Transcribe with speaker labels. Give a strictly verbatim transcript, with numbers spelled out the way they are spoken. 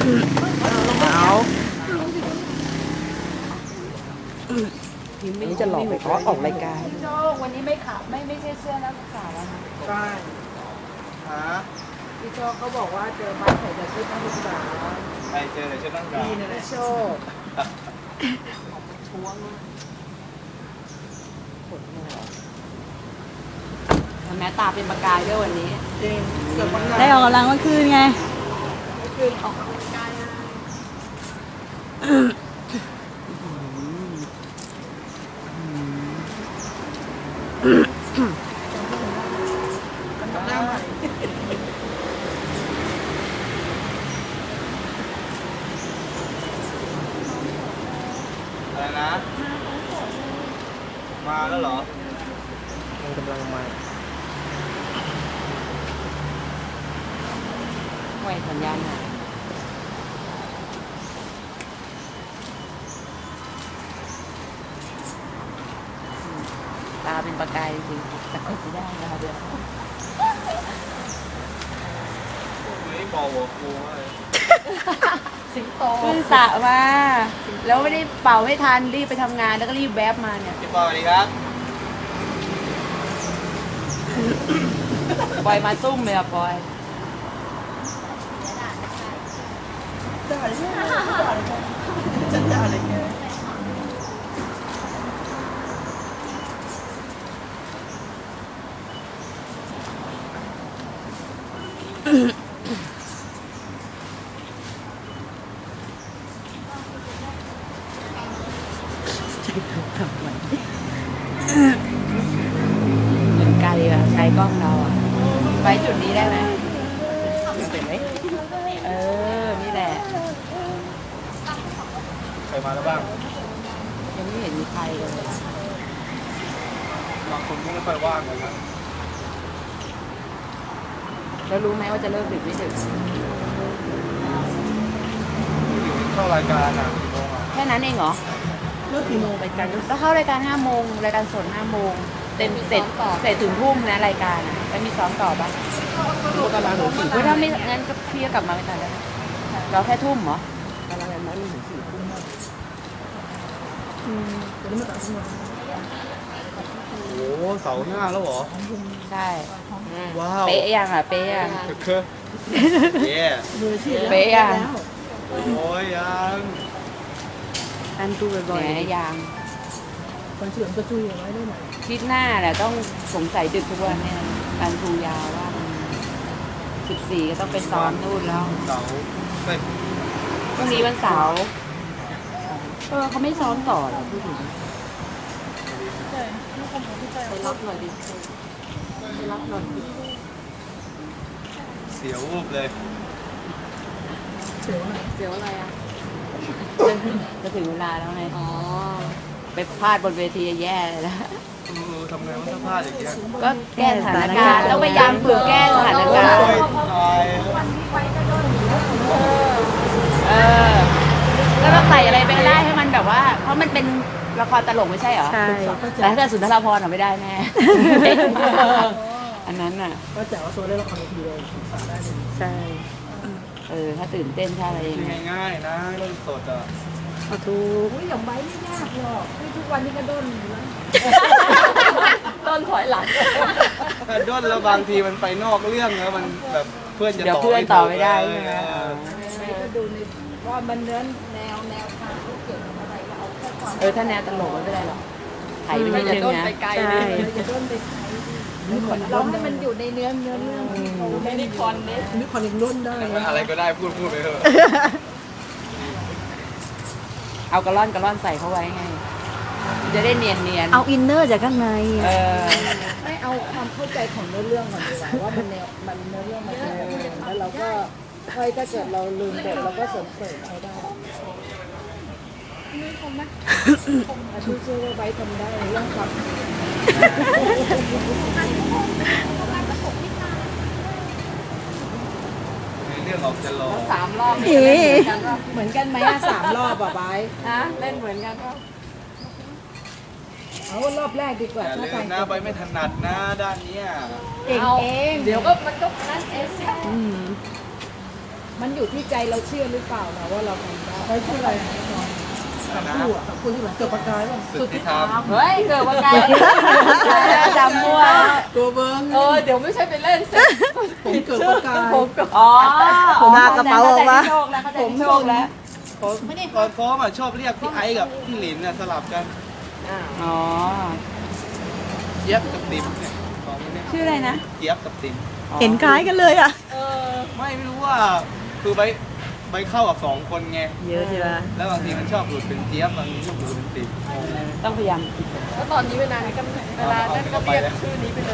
Speaker 1: เอานี่จะหลอกไปขอออกรายการ
Speaker 2: โจวันนี้ไม่ขับไม่ไม่ใช่เสื้อนักศึกษาแล้วนะ
Speaker 1: ใช่
Speaker 3: ฮะ
Speaker 2: พี่โจเขาบอกว่าเจอบ้านใส่แต่ชุดนักศึกษา
Speaker 3: ใครเจอเลยชุดนักศึกษา
Speaker 2: พี่นี่แหละโชคช่วงแม้ตาเป็นประกายด้วยวันนี้
Speaker 1: จริง
Speaker 4: ได้ออกกำลังเมื่อคืนไง
Speaker 2: เมื่อคืนออกกำลังกาย
Speaker 3: อะไรนะ มาแล้วเหรอ
Speaker 1: มันกำลังมา
Speaker 2: ไหวสัญญาณหน่อยตาเป็นประกายจริงแต่ก็จะได้นะคะเดี๋ยว
Speaker 3: ไม่บอกหัวฟูเลย
Speaker 2: สิงโตขึ้นสระมาแล้วไม่ได้เป่าให้ทันรีบไปทำงานแล้วก็รีบแวบมาเนี่ย
Speaker 3: พี่ปอสวัสดีครับ
Speaker 2: ปอยมาซุ่มเลยอะปอย
Speaker 1: ด่าเลยจะด่าอะไรแก
Speaker 2: เหมือนไกลอะใช้กล้องเราอะไว้จุดนี้ได้ไหม
Speaker 1: เป็นไหม
Speaker 2: เออนี่แหละ
Speaker 3: ใครมาแล้วบ้าง
Speaker 2: ยังไม่เห็นมีใครเลย
Speaker 3: บางคนก็ไม่ค่อยว่างเลยครับ
Speaker 2: แล้วรู้ไหมว่าจะเลิกดึกไม่ดึก
Speaker 3: เข้ารายการอ่ะกี่โมงอ่ะ
Speaker 2: แค่นั้นเองเหรอ
Speaker 1: เลิกกี่โมงรายการ
Speaker 2: แล้วเข้ารายการห้าโมงรายการสดห้าโมงเต็มเสร็จเสร็จถึงทุ่มนะรายการอ่ะแล้วมีซ้อมต่อปะ
Speaker 1: ตารางหนูสี่
Speaker 2: ถ้าไม่งั้นก็พี่ก็กลับมาไม่ทันแล้วเราแค่ทุ่มเหรอ
Speaker 1: ตารางนั้นมีถึงสี่ทุ่มอืมตอนนี้มาตัดสิน
Speaker 3: โอ้โหเสาหน้าแล้วเหรอ
Speaker 2: ใช่
Speaker 3: ว้าว
Speaker 2: เป๊ะยังอ่ะเป๊ะยัง
Speaker 3: คือเย้
Speaker 2: เป๊ะยัง
Speaker 3: โอ้ยยัง
Speaker 2: อันดูบ่อยๆยัง
Speaker 1: คนเสื่อมกระจุยไว้ได้ไหม
Speaker 2: คิดหน้าแหละต้องสงสัยดึกทุกวันเนี่ยการทูยาวว่าสิบสี่ก็ต้องไปซ้อมนู่นแล้ว
Speaker 3: เสาเฮ้ย
Speaker 2: พรุ่งนี้วันเสาร์เออเขาไม่ซ้อมต่อหรอพูดถึงไปรับหน่อยดิไปรับหน่อยดิ
Speaker 3: เสียววูบเลย
Speaker 1: เสียวอะไร
Speaker 2: เสียวอะไรอ่ะจะถึงเวลาแล้วไงอ๋อไปพลาดบนเวทีแย่เลยนะ
Speaker 3: เออทำไงว่าถ้าพลาดอย่างเงี้ย
Speaker 2: ก็แก้สถานการณ์แล้วพยายามฝึกแก้สถานการณ์เออแล้วเราใส่อะไรไปก็ได้ให้มันแบบว่าเพราะมันเป็นละครตลกไม่ใช่เหรอ
Speaker 4: ใช่
Speaker 2: แต่ถ้าเกิดสุนทรภพไม่ได้แน่อันนั้นน่ะ
Speaker 1: ก็แจ๋วว่าตัวได้ละครเวทีเลยศึกษาได้เลย
Speaker 4: ใช่
Speaker 2: เออถ้าตื่นเต้นถ้าอะไรอย่างเงี้ย
Speaker 3: ง่ายๆนะเรื่องสดอ่ะ
Speaker 4: เอาทุก
Speaker 2: อุ้ยอย่างใบไม่ยากหรอกทุกวันนี้ก็ด้นแล้วด้นถอยหลัง
Speaker 3: ด้นแล้วบางทีมันไปนอกเรื่องแล้วมันแบบเพื่อนจะต่อ
Speaker 2: เพื่อนต่อไม่ได้ใช่ไหม
Speaker 5: ก็ดูในว่ามันเนื้อแนวแนวทางที่เกี่ยวกับอะไรเราเอาแค่ความ
Speaker 2: เออถ้าแนวตลกไม่ได้หรอกไถ่ไปนิดนึงนะ
Speaker 4: ใช่
Speaker 5: จะต้นไปใช้เราให้มันอยู่ในเนื้อเนื้อเรื่อง
Speaker 2: ไม่ได้คอนเนส
Speaker 1: มีคอนอีกรุ่นได้
Speaker 3: อะไรก็ได้พูดพูดไปเถอะ
Speaker 2: เอากระล่อนกระล่อนใส่เข้าไว้ไงจะได้เนียนเนียน
Speaker 4: เอาอินเนอร์จากข้างใน
Speaker 2: เออ
Speaker 5: ไม่เอาความเข้าใจของเนื้อเรื่องก่อนดีกว่าว่ามันแนวมันเนื้อเรื่องมันเป็นยังไงแล้วเราก็ค่อยถ้าเกิดเราลืมบทเราก็เสริมเสริมเขาได้ไม่คงนะอาชีพเชื่อว่าไว้ทำได้เรื่องความ
Speaker 3: เรื่องออกจะรอ
Speaker 2: สามรอบ
Speaker 5: เหมือนกันไหมอะสามรอบอะไว้
Speaker 2: ฮะเล่นเหมือนกันก็
Speaker 5: เอาว่ารอบแรกดีกว่า
Speaker 3: ถ้าทางหน้าไปไม่ถนัดนะด้านนี้
Speaker 5: เองเอง
Speaker 2: เดี๋ยวก็มันก็นั่นเอง
Speaker 5: มันอยู่ที่ใจเราเชื่อหรือเปล่านะว่าเราทำได้
Speaker 1: ไปชื่ออะไรนะน้องสามคู่อ่ะสามคู่ที่เหมือนเกิดประกายป่ะ
Speaker 3: สุดที่ทำ
Speaker 2: เฮ้ยเกิดว่าไงจำมั่ว
Speaker 1: ตัวเบิ้ง
Speaker 5: เออเดี๋ยวไม่ใช่ไปเล่นสิ
Speaker 1: ผมเกิดประกาย
Speaker 2: อ๋อ
Speaker 4: หน้ากระเป๋าออกมา
Speaker 2: โชคแล้วเขาจะโชคแล้ว
Speaker 3: ตอนฟ้อมอ่ะชอบเรียกพี่ไอ้กับพี่หลินน่ะสลับกัน
Speaker 2: อ๋อ
Speaker 3: เจี๊ยบกับติ๋มเนี่ยสองคนเนี่ย
Speaker 2: ชื่ออะไรนะ
Speaker 3: เจี๊ยบกับติ๋ม
Speaker 4: เห็นคล้ายกันเลยอ่ะ
Speaker 3: ไม่ไม่รู้ว่าคือใบใบเข้ากับสองคนไง
Speaker 4: เยอะใช่ไหม
Speaker 3: แล้วบางทีมันชอบหลุดเป็นเจี๊ยบบางทีชอบหลุดเป็นติ๋ม
Speaker 2: ต้องพยายาม
Speaker 5: แล้วตอนนี้เวลานี้ก็เวลานั้นก็เรียกชื่อนี้ไปเลย